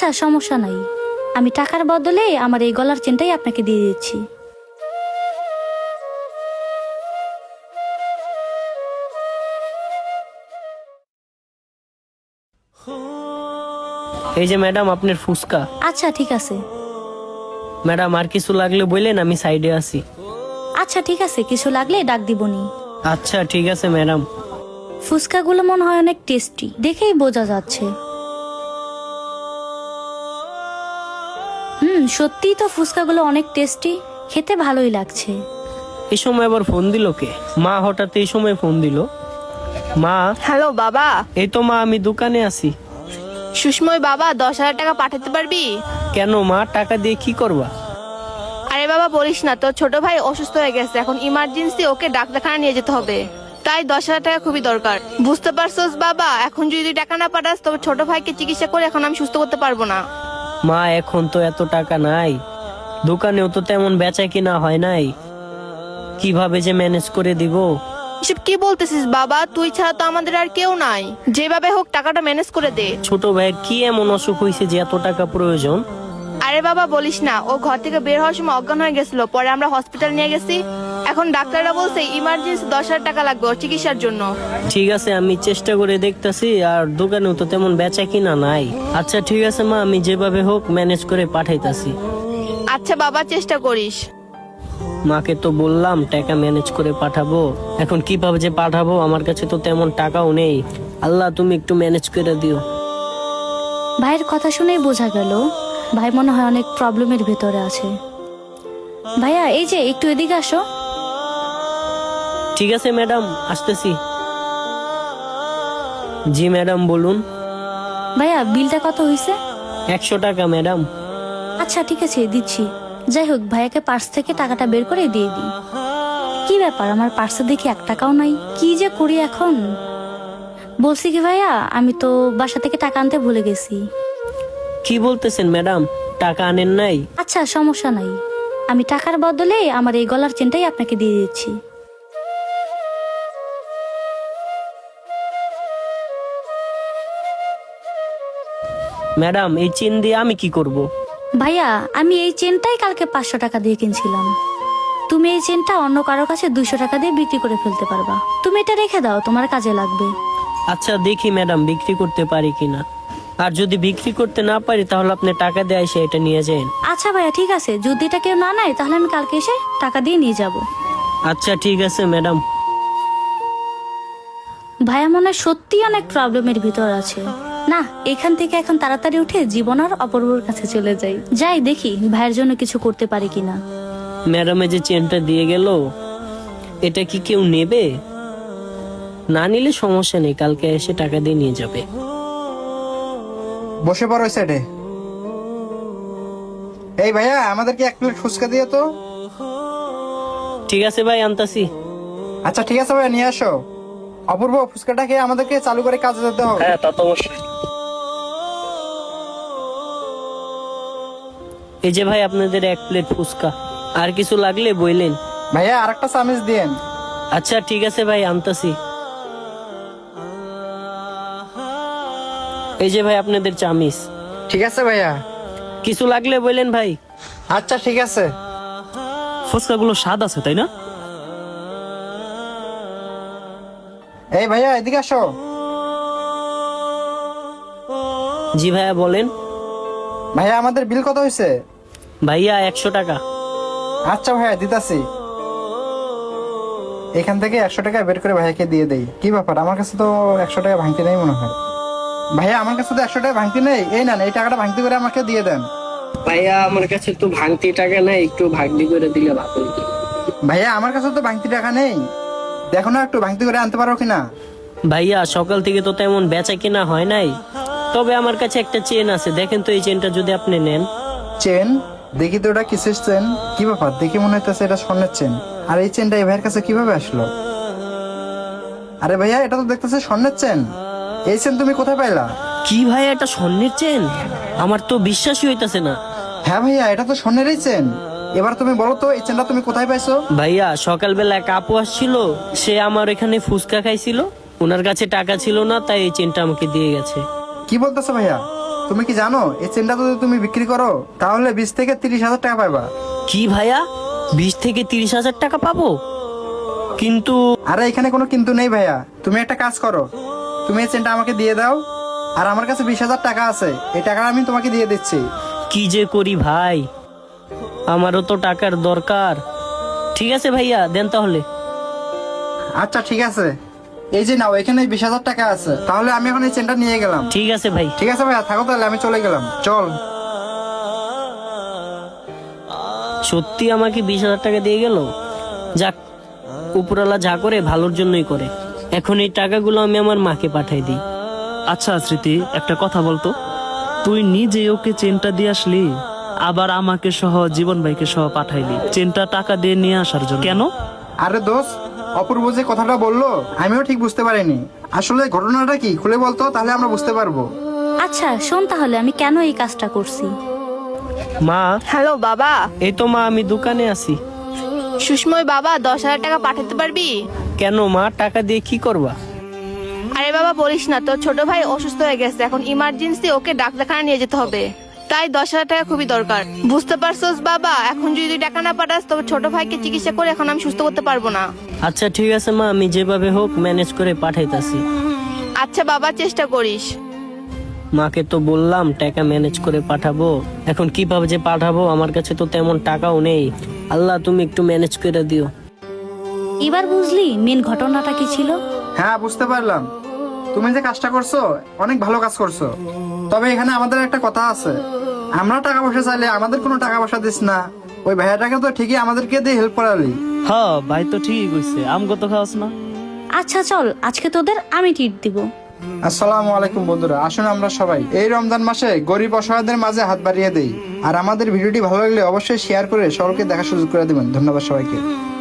আচ্ছা, সমস্যা নাই। আমি টাকার বদলে আমার এই গলার চেনটাই আপনাকে দিয়ে দিচ্ছি। এই যে ম্যাডাম আপনার ফুসকা। আচ্ছা ঠিক আছে। ম্যাডাম আর কিছু লাগলে বললেন, আমি সাইডে আছি। আচ্ছা ঠিক আছে, কিছু লাগলে ডাক দিবনি। আচ্ছা ঠিক আছে ম্যাডাম। ফুচকাগুলো মনে হয় অনেক টেস্টি, দেখেই বোঝা যাচ্ছে। সত্যিই তো ফুচকাগুলো অনেক টেস্টি, খেতে ভালোই লাগছে। এই সময় আবার ফোন দিল কে? মা হঠাৎ এই সময় ফোন দিল। মা। হ্যালো বাবা। এই তো মা, আমি দোকানে আছি। সুষময় বাবা, 10,000 টাকা পাঠাতে পারবি? কেন মা, টাকা দিয়ে কি করবা? আরে বাবা বলিস না, তোর ছোট ভাই অসুস্থ হয়ে গেছে, এখন ইমার্জেন্সি ওকে ডাক্তারখানা নিয়ে যেতে হবে, তাই 10,000 টাকা খুবই দরকার। বুঝতে পারছস বাবা, এখন যদি তুই টাকা না পাঠাস তবে ছোট ভাইকে চিকিৎসা করে এখন আমি সুস্থ করতে পারবো না। মা এখন তো এত টাকা নাই, দোকানেও তো তেমন বেচা কিনা হয় নাই, কিভাবে যে ম্যানেজ করে দিব? এসব কি বলতেছিস বাবা, তুই ছাড়া তো আমাদের আর কেউ নাই, যেভাবে হোক টাকাটা ম্যানেজ করে দে। ছোট ভাইয়ের কি এমন অসুখ হয়েছে যে এত টাকা প্রয়োজন? আরে বাবা বলিস না, ও ঘর থেকে বের হওয়ার সময় অজ্ঞান হয়ে গেছিল, পরে আমরা হসপিটাল নিয়ে গেছি, এখন ডাক্তাররা বলছে ইমার্জেন্সি 10,000 টাকা লাগবে ওর চিকিৎসার জন্য। ঠিক আছে, আমি চেষ্টা করে দেখতাছি, আর দোকানেও তো তেমন বেচা কিনা নাই। আচ্ছা ঠিক আছে মা, আমি যেভাবে হোক ম্যানেজ করে পাঠাইতাছি। আচ্ছা বাবা, চেষ্টা করিস। মাকে তো বললাম টাকা ম্যানেজ করে পাঠাবো, এখন কিভাবে যে পাঠাবো, আমার কাছে তো তেমন টাকাও নেই। আল্লাহ তুমি একটু ম্যানেজ করে দিও। ভাইয়ের কথা শুনেই বোঝা গেল ভাই মনে হয় অনেক প্রবলেমের ভিতরে আছে। ভাইয়া এই যে একটু এদিকে আসো। ঠিক আছে ম্যাডাম, আসতেছি। জি ম্যাডাম বলুন। ভাইয়া বিলটা কত হয়েছে? 100 টাকা ম্যাডাম। আচ্ছা ঠিক আছে, দিচ্ছি। যাই হোক, ভাইয়াকে পার্স থেকে টাকাটা বের করে দিয়ে দিই। কি ব্যাপার, আমার পার্সে দেখি 1 টাকাও নাই, কি যে করি এখন। বলছি কি ভাইয়া, আমি তো বাসা থেকে টাকা আনতে ভুলে গেছি। কি বলতেছেন ম্যাডাম, টাকা আনেন নাই? আচ্ছা সমস্যা নাই, আমি টাকার বদলে আমার এই গলার চেনটাই আপনাকে দিয়ে দিচ্ছি। ম্যাডাম এই চেন দিয়ে আমি কি করব? ভাইয়া আমি এই চেনটাই কালকে 500 টাকা দিয়ে কিনছিলাম, তুমি এই চেনটা অন্য কারো কাছে 200 টাকা দিয়ে বিক্রি করে ফেলতে পারবা, তুমি এটা রেখে দাও, তোমার কাজে লাগবে। আচ্ছা দেখি ম্যাডাম বিক্রি করতে পারি কিনা, আর যদি বিক্রি করতে না পারি তাহলে আপনি টাকা দিয়ে এসে এটা নিয়ে যান। আচ্ছা ভাইয়া ঠিক আছে, যদি এটা কেউ না নেয় তাহলে আমি কালকে এসে টাকা দিয়ে নিয়ে যাব। আচ্ছা ঠিক আছে ম্যাডাম। ভাইয়া মনে হয় সত্যি অনেক প্রবলেমের ভিতর আছে। না, এখান থেকে এখন তাড়াতাড়ি উঠে জীবন আর অপূর্বর কাছে চলে যাই, যাই দেখি ভাইয়ের জন্য কিছু করতে পারি কিনা। ম্যাডামে যে চেনটা দিয়ে গেল, এটা কি কেউ নেবে? না নিলে সমস্যা নেই, কালকে এসে টাকা দিয়ে নিয়ে যাবে। বসে পড়ো ওই সাইডে। এই ভাইয়া, আমাদেরকে 1 প্লেট ফুচকা দিয়ে তো। ঠিক আছে ভাই, আনতাছি। আচ্ছা ঠিক আছে ভাইয়া, নিয়ে আসো। অপূর্ব, ফুচকাটা খেয়ে আমাদেরকে চালু করে কাজে যেতে হবে। হ্যাঁ তা তো অবশ্যই। এই যে ভাই আপনাদের 1 প্লেট ফুচকা, আর কিছু লাগলে বললেন। ভাইয়া আরেকটা চামিচ দিয়েন। আচ্ছা ঠিক আছে ভাই, আনতাছি। এই যে ভাই আপনাদের চামিচ। ঠিক আছে ভাইয়া। কিছু লাগলে বললেন ভাই। আচ্ছা ঠিক আছে। ফুচকাগুলো স্বাদ আছে তাই না? এই ভাইয়া এদিকে আসো। জি ভাইয়া বলেন। ভাইয়া আমাদের বিল কত হয়েছে? ভাইয়া 100 টাকা। আচ্ছা ভাইয়া দিতাছি। এখান থেকে 100 টাকা বের করে ভাইয়াকে দিয়ে দেই। কি ব্যাপার, আমার কাছে তো 100 টাকা ভাঙতি নেই মনে হয়। ভাইয়া আমার কাছে তো 100 টাকা ভাঙতি নেই, এই না এই টাকাটা ভাঙতি করে আমাকে দিয়ে দেন। ভাইয়া আমার কাছে তো ভাঙতি টাকা নাই, একটু ভাগনি করে দিলে ভালো হতো। ভাইয়া আমার কাছে তো ভাঙতি টাকা নেই, দেখো না একটু ভাঙতি করে আনতে পারো কিনা। ভাইয়া সকাল থেকে তো তেমন বেচা কিনা হয় নাই, তবে আমার কাছে একটা চেন আছে, দেখেন তো এই চেনটা যদি আপনি নেন। চেন? দেখি তো ওটা কিসের চেন। কি ব্যাপার, দেখি মনে হইতেছে এটা স্বর্ণের চেন। আর এই চেনটা এই ভাইয়ের কাছে কিভাবে আসলো? আরে ভাইয়া এটা তো দেখতেছে স্বর্ণের চেন। এই চেন তুমি কোথায় পাইলা? কি ভাইয়া, এটা স্বর্ণের চেন? আমার তো বিশ্বাসই হইতাছে না। হ্যাঁ ভাইয়া, এটা তো স্বর্ণেরই চেন। এবার তুমি বলো তো এই চেনটা তুমি কোথায় পাইছো? ভাইয়া সকালবেলা এক আপু আসছিল, সে আমার এখানে ফুচকা খাইছিল, ওনার কাছে টাকা ছিল না, তাই এই চেনটা আমাকে দিয়ে গেছে। কি বলতেছো ভাইয়া? তুমি কি জানো এই চেনটা যদি তুমি বিক্রি করো তাহলে 20 থেকে 30 হাজার টাকা পাইবা। কি ভাইয়া, 20 থেকে 30 হাজার টাকা পাবো? কিন্তু আরে এখানে কোনো কিন্তু নেই ভাইয়া, তুমি একটা কাজ করো, তুমি এই চেনটা আমাকে দিয়ে দাও, আর আমার কাছে 20 হাজার টাকা আছে, এই টাকা আমি তোমাকে দিয়ে দিচ্ছি। কি যে করি ভাই, আমারও তো টাকার দরকার। ঠিক আছে ভাইয়া, দেন তাহলে। আচ্ছা ঠিক আছে, এই যে নাও, এখানে 20 হাজার টাকা আছে, তাহলে আমি এখন এই চেনটা নিয়ে গেলাম। ঠিক আছে ভাই। ঠিক আছে ভাইয়া, থাকো তাহলে, আমি চলে গেলাম, চল। সত্যি আমাকে 20 হাজার টাকা দিয়ে গেল। যাক, উপরওয়ালা যা করে ভালোর জন্যই করে। এখন এই টাকাগুলো আমি আমার মাকে পাঠাই দিই। আচ্ছা স্মৃতি, একটা কথা বলতো, তুই নিজে ওকে চেনটা দিয়ে আসলি, আবার আমাকে সহ জীবন ভাইকে সহ পাঠাইলি চেনটা টাকা দিয়ে নিয়ে আসার জন্য, কেন? আরে দোস্ত, অপূর্ব যে কথাটা বললো আমিও ঠিক বুঝতে পারিনি, আসলে ঘটনাটা কি খুলে বলতো, তাহলে আমরা বুঝতে পারবো। আচ্ছা শোন তাহলে আমি কেন এই কাজটা করছি। মা, হ্যালো বাবা। এই তো মা, আমি দোকানে আছি। সুষময় বাবা, 10,000 টাকা পাঠাতে পারবি? কেন মা, টাকা দিয়ে কি করবা? আরে বাবা বলিস না, তোর ছোট ভাই অসুস্থ হয়ে গেছে, এখন ইমার্জেন্সি ওকে ডাক্তারখানা নিয়ে যেতে হবে, তাই 10,000 টাকা খুবই দরকার। বুঝতে পারছোস বাবা, এখন যদি তুই টাকা না পাঠাস তবে ছোট ভাইকে চিকিৎসা করে এখন আমি সুস্থ করতে পারবো না। আচ্ছা ঠিক আছে মা, আমি যেভাবে হোক ম্যানেজ করে পাঠাইতাছি। আচ্ছা বাবা, চেষ্টা করিস। মাকে তো বললাম টাকা ম্যানেজ করে পাঠাবো, এখন কিভাবে যে পাঠাবো, আমার কাছে তো তেমন টাকাও নেই। আল্লাহ তুমি একটু ম্যানেজ করে দিও। এবার বুঝলি মেন ঘটনাটা কি ছিল? হ্যাঁ বুঝতে পারলাম, তুমি যে কাজটা করছো অনেক ভালো কাজ করছো, তবে এখানে আমাদের একটা কথা আছে, আমরা টাকা পয়সা চাইলে আমাদের কোনো টাকা পয়সা দিস না, ওই ভাইয়াটাকে তো ঠিকই আমাদেরকে দিয়ে হেল্প করালি। হ্যাঁ ভাই তো ঠিকই কইছে, আমগো তো খাওয়াস না। আচ্ছা চল, আজকে তোদের আমি ট্রিট দিব। আসসালামু আলাইকুম বন্ধুরা, আসুন আমরা সবাই এই রমজান মাসে গরিব অসহায়দের মাঝে হাত বাড়িয়ে দেই। আর আমাদের ভিডিওটি ভালো লাগলে অবশ্যই শেয়ার করে সকলকে দেখার সুযোগ করে দিবেন। ধন্যবাদ সবাইকে।